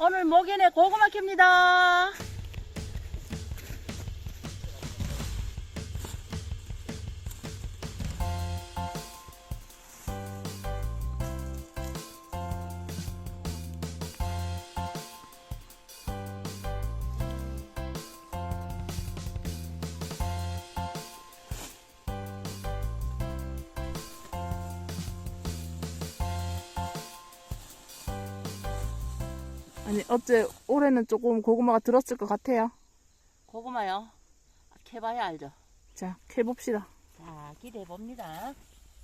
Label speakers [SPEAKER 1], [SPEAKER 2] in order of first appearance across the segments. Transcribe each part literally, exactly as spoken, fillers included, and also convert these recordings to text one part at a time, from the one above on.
[SPEAKER 1] 오늘 목연에 고구마 캡니다.
[SPEAKER 2] 아니 어째 올해는 조금 고구마가 들었을 것 같아요.
[SPEAKER 1] 고구마요. 캐봐야 알죠.
[SPEAKER 2] 자, 캐봅시다.
[SPEAKER 1] 자, 기대해 봅니다.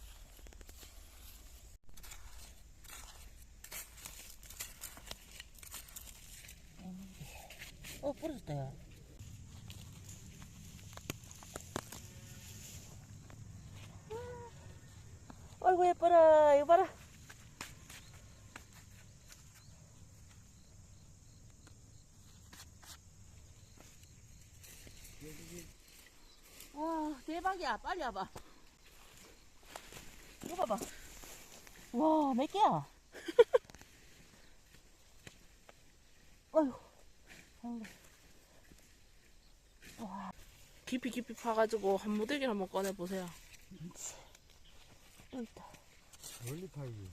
[SPEAKER 1] 어, 부러졌다요. 아이고 예뻐라. 이거 봐라. 와, 대박이야. 빨리 와봐. 이거 봐봐. 와, 몇 개야? 아이고. 아이고. 와.
[SPEAKER 2] 깊이 깊이 파가지고 한 무더기를 한번 꺼내보세요.
[SPEAKER 1] 여기 있다.
[SPEAKER 3] 멀리 파이지.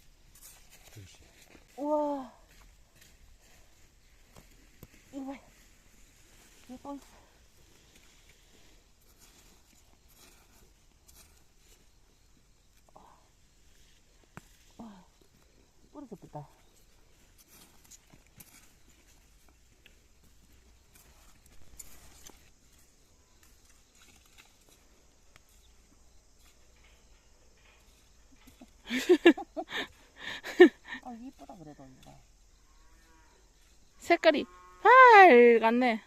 [SPEAKER 1] 우와. 이거 봐요. 예뻐. 와, 부러졌다. 아, 이쁘다 그래도 이거.
[SPEAKER 2] 색깔이 빨갛네.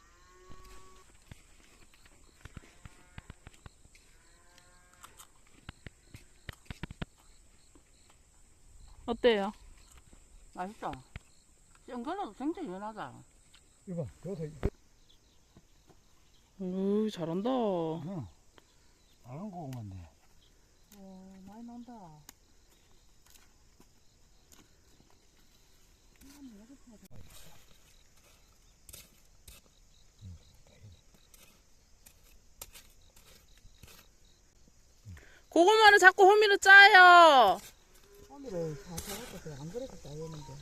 [SPEAKER 2] 어때요?
[SPEAKER 1] 맛있다. 생각나도 굉장히 연하다.
[SPEAKER 3] 이거 여기서
[SPEAKER 2] 오, 잘한다.
[SPEAKER 3] 응. 다른 고구마인데.
[SPEAKER 1] 오, 많이 난다.
[SPEAKER 2] 고구마를 자꾸 호미로 짜요.
[SPEAKER 1] 오늘은 다 잡았어. 안 그래도 짜였는데.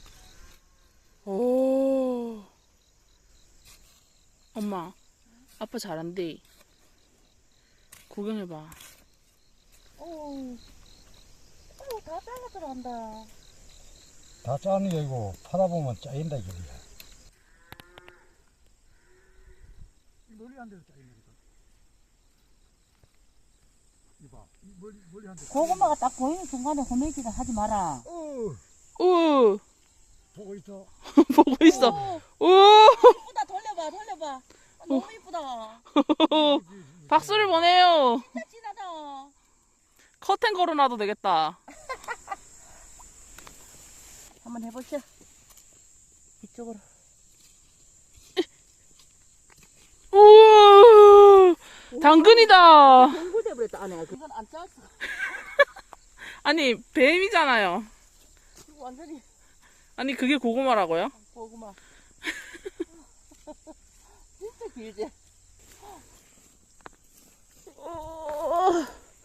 [SPEAKER 2] 오. 엄마, 아빠 잘한대. 구경해봐.
[SPEAKER 1] 오, 오, 다 잘라 들어간다.
[SPEAKER 3] 다 짜는 게 아니고 파다 보면 짜인다 이게. 멀리 한 데서 짜인다니까. 이봐, 멀리 멀리 한 데.
[SPEAKER 1] 고구마가 딱 보이는 순간에 호메기다 하지 마라.
[SPEAKER 3] 어,
[SPEAKER 2] 오,
[SPEAKER 3] 보고 있어.
[SPEAKER 2] 보고 있어.
[SPEAKER 1] 오,
[SPEAKER 2] 오,
[SPEAKER 1] 이쁘다. 돌려봐, 돌려봐. 아, 너무 이쁘다.
[SPEAKER 2] 박수를 보내요.
[SPEAKER 1] 진짜 진하다.
[SPEAKER 2] 커튼 걸어놔도 되겠다.
[SPEAKER 1] 한번 해보시오. 이쪽으로.
[SPEAKER 2] 오, 당근이다.
[SPEAKER 1] 동굴돼 버렸다 안에. 이건 안 짰어.
[SPEAKER 2] 아니, 뱀이잖아요.
[SPEAKER 1] 이거 완전히
[SPEAKER 2] 아니, 그게 고구마라고요?
[SPEAKER 1] 고구마. 진짜 길지.
[SPEAKER 2] 어,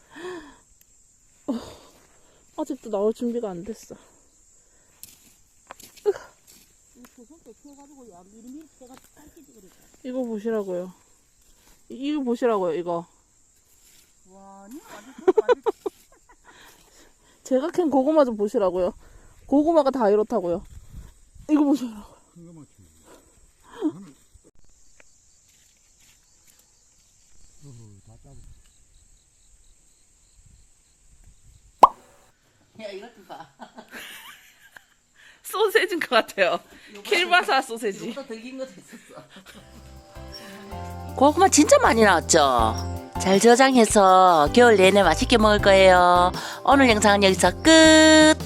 [SPEAKER 2] 아직도 나올 준비가 안 됐어.
[SPEAKER 1] 이 손도 펴가지고 야 미리미리 펴가지고 빨개지 그랬다.
[SPEAKER 2] 이거 보시라고요. 이- 이거 보시라고요, 이거.
[SPEAKER 1] 와, 니 완전 손 완전.
[SPEAKER 2] 제가 캔 고구마 좀 보시라고요. 고구마가 다 이렇다고요. 이거 보시라고요.
[SPEAKER 3] 큰 거만 키우고. 어허, 다 짜고.
[SPEAKER 1] 야, 이것 좀 봐.
[SPEAKER 2] 소세지인 것 같아요. 킬바사 소세지.
[SPEAKER 1] 이거보다 더 긴 것도 있었어. 고구마 진짜 많이 나왔죠? 잘 저장해서 겨울 내내 맛있게 먹을 거예요. 오늘 영상은 여기서 끝!